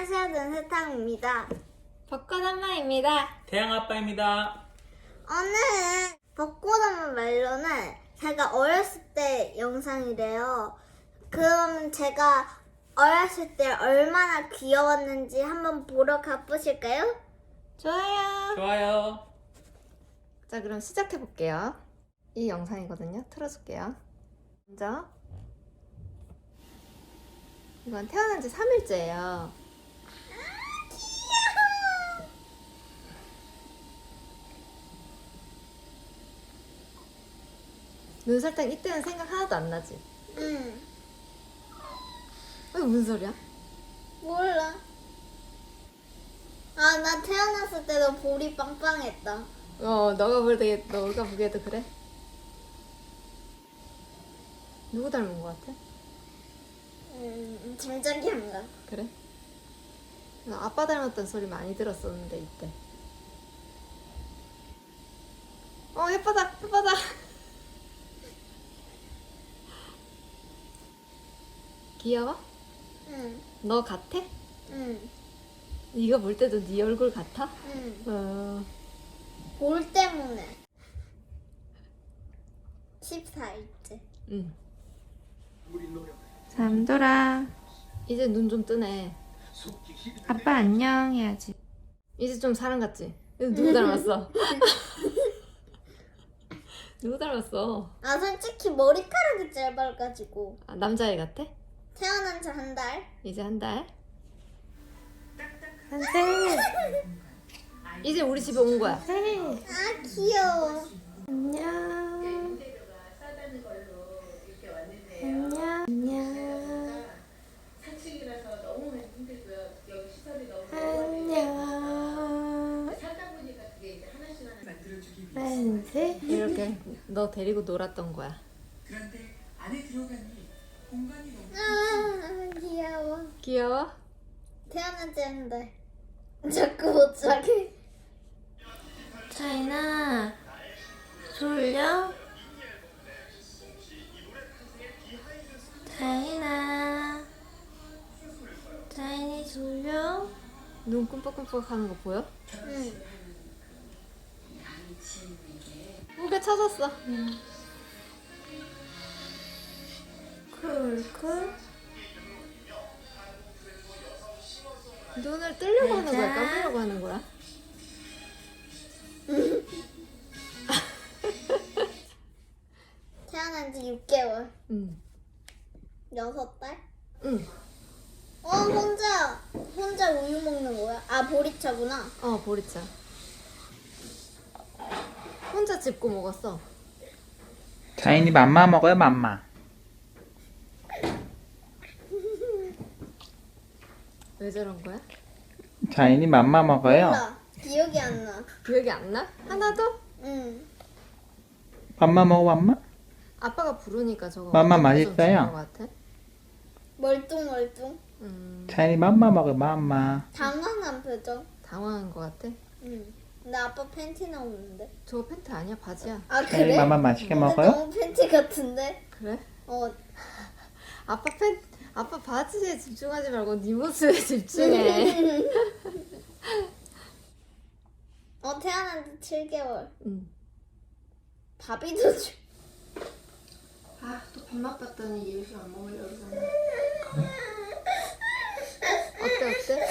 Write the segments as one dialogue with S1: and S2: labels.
S1: 안녕하세요, 눈세탕입니다.
S2: 벚꽃 한마입니다.
S3: 태양 아빠입니다.
S1: 오늘은 벚꽃하면 말로는 제가 어렸을 때 영상이래요. 그럼 제가 어렸을 때 얼마나 귀여웠는지 한번 보러 가보실까요?
S2: 좋아요.
S3: 좋아요.
S2: 자, 그럼 시작해 볼게요. 이 영상이거든요. 틀어줄게요. 먼저 이건 태어난 지 3일째예요. 눈설탕 이때는 생각 하나도 안 나지?
S1: 응.
S2: 이거 무슨 소리야?
S1: 몰라. 아, 나 태어났을 때도 볼이 빵빵했다.
S2: 너가 보기에도 그래? 누구 닮은 것 같아?
S1: 짐작이 안 가.
S2: 그래? 나 아빠 닮았다는 소리 많이 들었었는데 이때. 햇바닥. 귀여워?
S1: 응,
S2: 너 같아?
S1: 응,
S2: 이거 볼 때도 네 얼굴 같아?
S1: 응. 볼 때문에. 14일째.
S2: 응. 잠들아. 이제 눈 좀 뜨네.
S4: 아빠 안녕 해야지.
S2: 이제 좀 사람 같지? 누구 닮았어? 누구 닮았어?
S1: 아, 솔직히 머리카락이 짧아가지고.
S2: 아, 남자애 같아?
S1: 태어난 지 한 달?
S2: 이제 한 달?
S4: 한세.
S2: 이제 우리 집에 온 거야.
S1: 아, 귀여워.
S4: 안녕. 안녕.
S5: 산책이라서 너무 힘들고요. 여기 시설이 너무
S4: 안녕.
S5: 살다 보니까 그게 이제 하나씩 만들어주기 위해서.
S4: 한세.
S2: 이렇게 너 데리고 놀았던 거야.
S5: 그런데 안에 들어가니 공간이 너무
S1: 아, 귀여워.
S2: 귀여워?
S1: 태어난 지 한 달. 자꾸 못 자게.
S4: 차이나 졸려? 차이니 졸려?
S2: 눈 끔뻑끔뻑 하는 거 보여?
S1: 응.
S2: 무게 찾았어.
S4: 쿨쿨.
S2: 눈을 뜨려고 하는 거야? 감으려고 하는 거야?
S1: 태어난 지 6개월.
S2: 응.
S1: 6달?
S2: 응.
S1: 혼자 우유 먹는 거야? 아, 보리차구나.
S2: 보리차. 혼자 짚고 먹었어.
S3: 자인이 맘마 먹어요, 맘마.
S2: 왜 저런 거야?
S3: 자인이 맘마 먹어요.
S1: 몰라. 기억이 안 나.
S2: 기억이 안 나? 하나도?
S1: 응.
S3: 맘마 먹어, 맘마?
S2: 아빠가 부르니까 저거
S3: 맘마
S2: 좀
S3: 맛있어요?
S2: 주는 것 같아.
S1: 멀뚱멀뚱.
S3: 자인이 맘마 먹어요, 맘마.
S1: 당황한 표정.
S2: 당황한 것 같아.
S1: 응. 나 아빠 팬티 나오는데.
S2: 저거 팬티 아니야, 바지야.
S1: 아,
S3: 자인이
S1: 그래?
S3: 맘마 맛있게
S1: 근데
S3: 먹어요?
S1: 너무 팬티 같은데?
S2: 그래?
S1: 어.
S2: 아빠 바지에 집중하지 말고 네 모습에 집중해.
S1: 태어난 지 7개월.
S2: 응.
S1: 밥이도 줘.
S4: 또 밥맛 봤더니 이유식 안 먹으려고 그러잖아.
S2: 어때?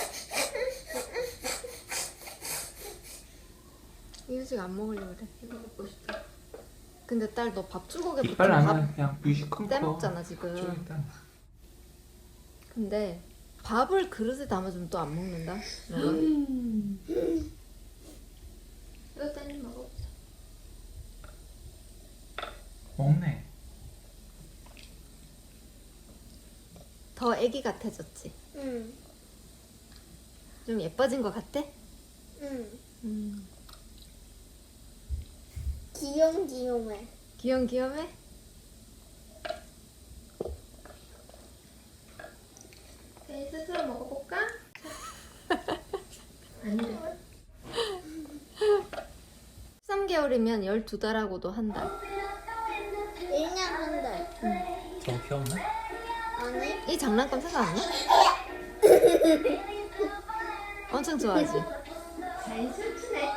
S2: 이유식 안 먹으려고 그래.
S4: 이거 먹고 싶다.
S2: 근데 딸 너 밥 주걱에 붙은
S3: 이빨 안
S2: 밥
S3: 하면 그냥 뮤직 큰 거.
S2: 떼먹잖아 지금.
S3: 일단.
S2: 근데 밥을 그릇에 담아주면 또 안 먹는다. 너가?
S4: 이거 딴입 먹어보자.
S3: 먹네.
S2: 더 애기 같아졌지?
S1: 응.
S2: 좀 예뻐진 것 같아?
S1: 응. 귀염귀염해.
S2: 귀염귀염해?
S4: 네, 스스로 먹어볼까? 아니래.
S2: 13개월이면 12달하고도 한 달.
S1: 1년 한 달.
S3: 저 귀엽나?
S1: 아니?
S2: 이 장난감 생각 안 나? 엄청 좋아하지?
S4: 잘 춤추네.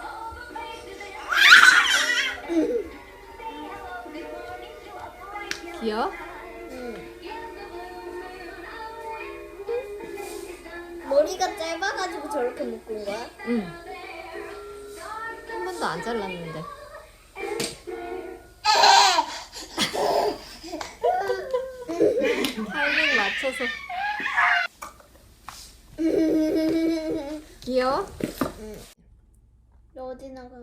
S2: 귀여워?
S1: 머리가 짧아가지고 저렇게 묶은 거야?
S2: 응. 한 번도 안 잘랐는데. 타이밍 맞춰서. 귀여워?
S1: 너 어디 나가?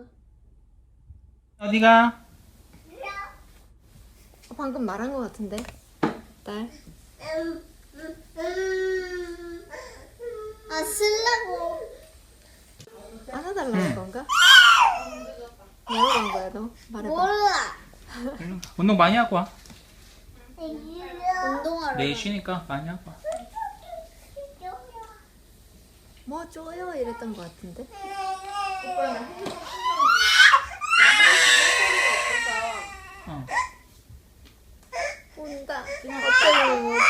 S3: 어디가?
S2: 방금 말한 것 같은데. 딸.
S1: 아 쓰려고.
S2: 안아달라는 건가? 뭐라고 한 거야 너? 말해봐.
S1: 몰라.
S3: 운동 많이 하고 와.
S1: 운동하러.
S3: 내일 쉬니까 많이 하고 와.
S2: 뭐 줘요? 이랬던 것 같은데.
S3: 어.
S2: 온다. 어떤 뭐지?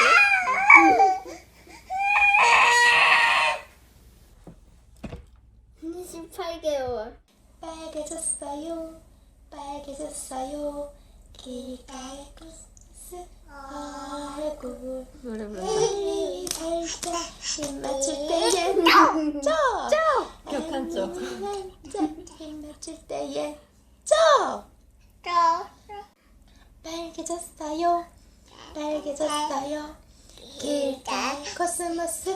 S1: 28개월.
S4: 빨개졌어요. 빨개졌어요. 길가의 코스 얼굴.
S2: 노래 부른다.
S4: 빨리 살짝 힘 맞출 때에 쪄!
S2: 격한 쪽.
S4: 살짝 힘 맞출 때에 쪄! 빨개졌어요. 빨개졌어요. 길가의 코스모스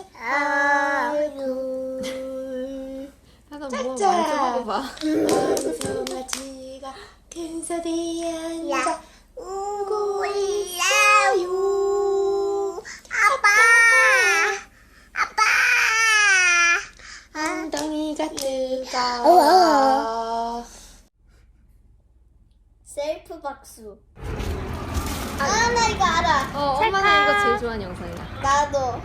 S4: 얼굴.
S2: 하나
S4: 짝짝.
S2: 뭐말좀 하고 봐.
S4: 원숭아지가 큰 소리에 앉아 울고 있어요. 엉덩이가 뜨거워.
S1: 셀프 박수. 아 나 이거 알아.
S2: 엄마는 이거 제일 좋아하는 영상이야.
S1: 나도.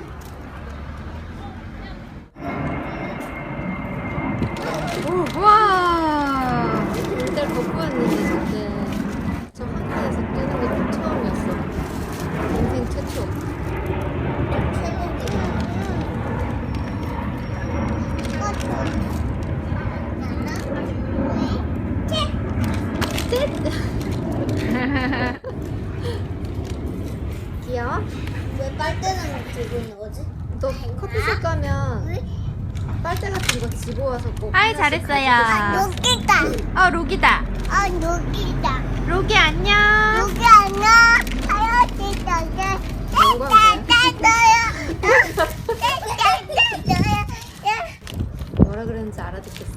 S2: 와! 일단 걷고 왔는데 저때 저 한강에서 뛰는 게 처음이었어. 인생 최초. 귀여워?
S1: 왜 빨대는 들고 있는 거지?
S2: 너 커피숍 가면 빨대 같은 거 집어와서 꼭
S6: 아이,
S2: 하나씩
S6: 잘했어요.
S2: 가지고
S1: 여기다.
S6: 로기다.
S1: 여기다.
S6: 로기 안녕.
S1: 여기 안녕. 하얀색
S2: 먹은 거야. 뭐라 그랬는지 알아듣겠어.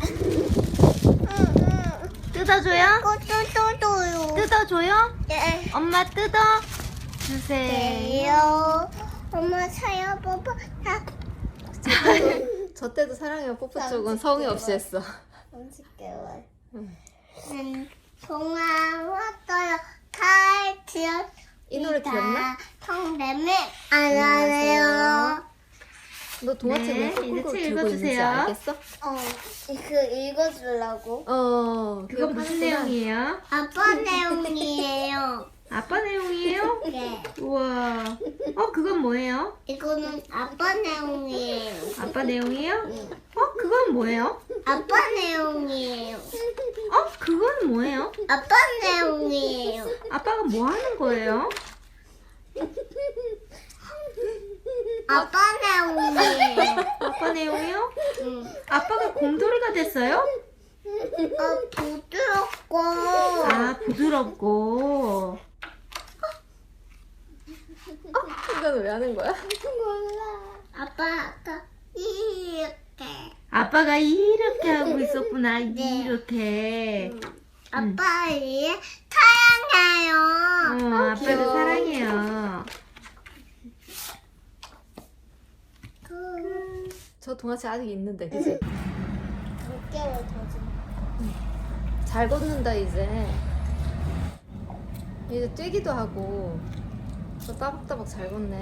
S6: 뜯어줘요?
S1: 또또또요.
S6: 뜯어줘요?
S1: 네.
S6: 엄마 뜯어 주세요.
S1: 요 엄마 사요 뽀뽀.
S2: 저 때도 사랑해요 뽀뽀 쪽은 성의 없이 했어.
S1: 30개월.
S2: 응.
S1: 동화 왔어요. 칼치연.
S2: 이 노래 기억나?
S1: 성대매 안 하네요.
S2: 너 동화책
S6: 네,
S2: 왜 거꾸로
S6: 이제 책
S2: 들고 있는지
S6: 읽어주세요.
S2: 알겠어?
S1: 그 읽어주려고.
S6: 그거 무슨 내용이에요?
S1: 아빠 내용이에요.
S6: 아빠 내용이에요?
S1: 네.
S6: 우와. 그건 뭐예요?
S1: 이거는 아빠 내용이에요.
S6: 아빠 내용이에요?
S1: 응.
S6: 그건 뭐예요?
S1: 아빠 내용이에요.
S6: 그건 뭐예요?
S1: 아빠 내용이에요.
S6: 아빠가 뭐 하는 거예요?
S1: 아빠 내용이에요.
S6: 아빠 내용이요?
S1: 응.
S6: 아빠가 곰돌이가 됐어요?
S1: 부드럽고.
S6: 부드럽고.
S2: 이건 왜 하는 거야?
S1: 몰라. 아빠 이렇게.
S6: 아빠가 이렇게 하고 있었구나.
S1: 네.
S6: 이렇게.
S1: 아빠 이 사랑해요.
S6: 아빠도
S1: 귀여워.
S6: 사랑해요.
S2: 저 동화책 아직 있는데 그치?
S1: 6개월 더 좀.
S2: 잘 걷는다 이제. 이제 뛰기도 하고 저 따박따박 잘 걷네.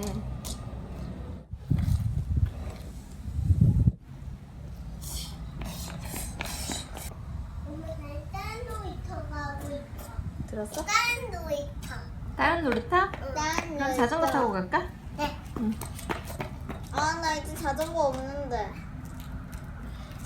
S1: 엄마 다른 놀이터 가고 있어.
S2: 들었어?
S1: 다른 놀이터.
S6: 다른 놀이터?
S1: 다른
S6: 그럼 자전거 타고 갈까?
S1: 네. 아 나 이제 자전거 없는데.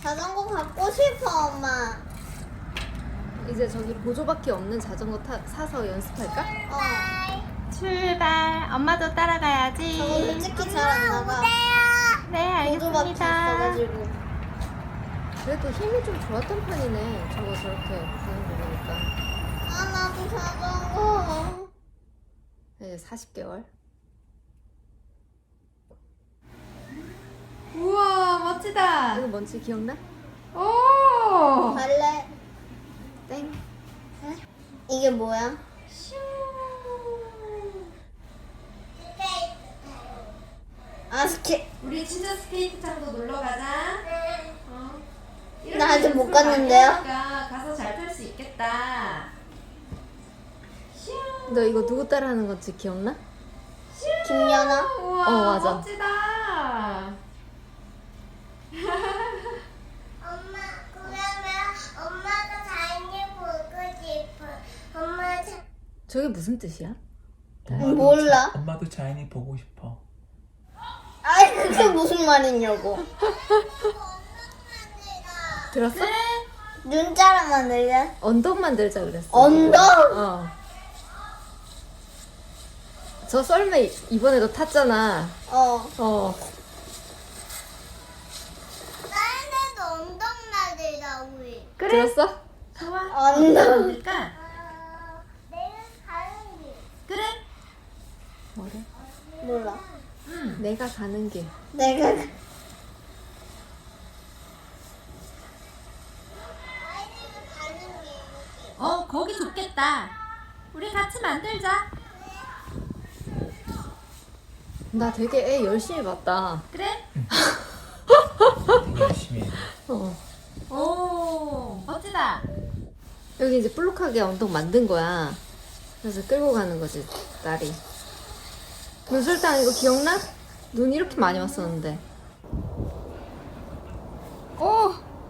S1: 자전거 갖고 싶어, 엄마.
S2: 이제 저기 보조바퀴 없는 자전거 사서 연습할까?
S1: 어.
S6: 출발. 엄마도 따라가야지.
S1: 저거 솔직히 잘 안 나가.
S6: 네,
S1: 보조바퀴 있어가지고.
S2: 그래도 힘이 좀 좋았던 편이네. 저거 저렇게 가는 거 보니까.
S1: 아, 나도 자전거.
S2: 이제 40개월.
S6: 우와, 멋지다.
S2: 이거 뭔지 기억나?
S6: 오.
S1: 갈래?
S2: 땡.
S1: 이게 뭐야? 아,
S6: 우리 진짜 스케이트장도 놀러 가자.
S1: 나 아직 못 갔는데요?
S6: 가서 잘 탈 수 있겠다.
S2: 너 이거 누구 따라하는 건지 기억나?
S1: 김연아?
S6: 우와,
S2: 맞아.
S6: 멋지다.
S4: 엄마, 그러면 엄마가 자연이 보고 싶어. 엄마
S2: 저게 무슨 뜻이야?
S1: 몰라.
S3: 엄마도 자연이 보고 싶어.
S1: 아이, 그게 무슨 말이냐고.
S2: 들었어?
S1: 눈자람 만들래?
S2: 언덕 만들자 그랬어.
S1: 언덕?
S2: 어. 저 썰매 이번에도 탔잖아.
S1: 어.
S4: 다른 데도 엉덩 나들다 우리.
S2: 들었어?
S1: 언덕.
S6: 그러니까
S4: 내가 가는 길.
S6: 그래.
S2: 뭐래?
S1: 몰라.
S2: 내가 가는 길.
S1: 내가
S4: 아이들이 가는 길.
S6: 거기 좋겠다. 우리 같이 만들자.
S2: 나 되게 애 열심히 봤다.
S6: 그래?
S3: 되게 열심히 해.
S2: 어.
S6: 오, 멋지다.
S2: 여기 이제 볼록하게 언덕 만든 거야. 그래서 끌고 가는 거지, 딸이. 눈설탕 이거 기억나? 눈 이렇게 많이 왔었는데. 오!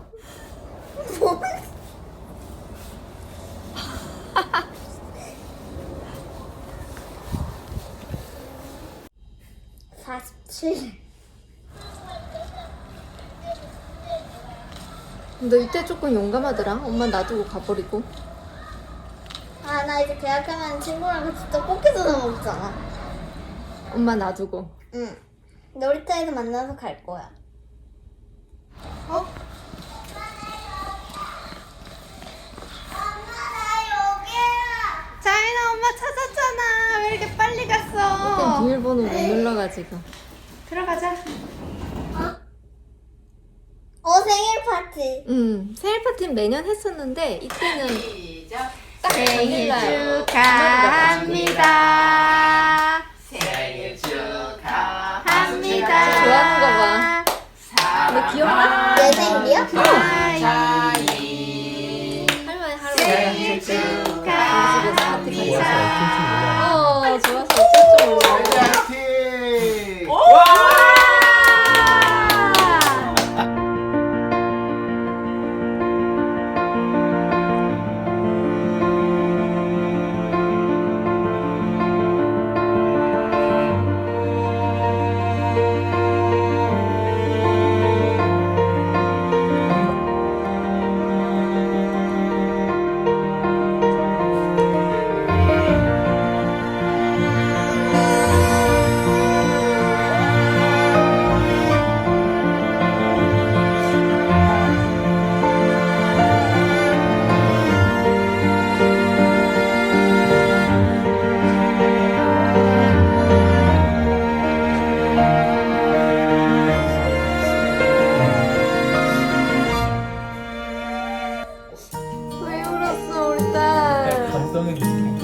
S2: 너 이때 조금 용감하더라. 엄마 놔두고 가버리고.
S1: 아, 나 이제 계약하면 친구랑 같이 떡볶이도 먹잖아.
S2: 엄마 놔두고.
S1: 응. 놀이터에서 만나서 갈 거야.
S4: 엄마 나 여기야.
S6: 자연아, 엄마 찾았잖아. 왜 이렇게 빨리
S2: 일단
S6: 갔어?
S2: 비밀번호 못 눌러가지고.
S6: 들어가자.
S1: 생일 파티.
S2: 생일 파티는 매년 했었는데 이때는 딱
S6: 생일
S2: 당일날
S6: 축하합니다.
S7: 생일 축하합니다.
S2: 좋아하는 거 봐. 너 기억나?
S1: 내 생일이야?
S7: 자이
S2: 할머니 할아버지
S7: 생일
S2: 집에서
S7: 축하합니다.
S2: 파티
S3: 좋아서
S2: 같이. 좋아서 어쩔 줄 몰라.
S7: 파이팅!
S2: 왜 울었어 우리 딸?
S3: 감동의 느낌.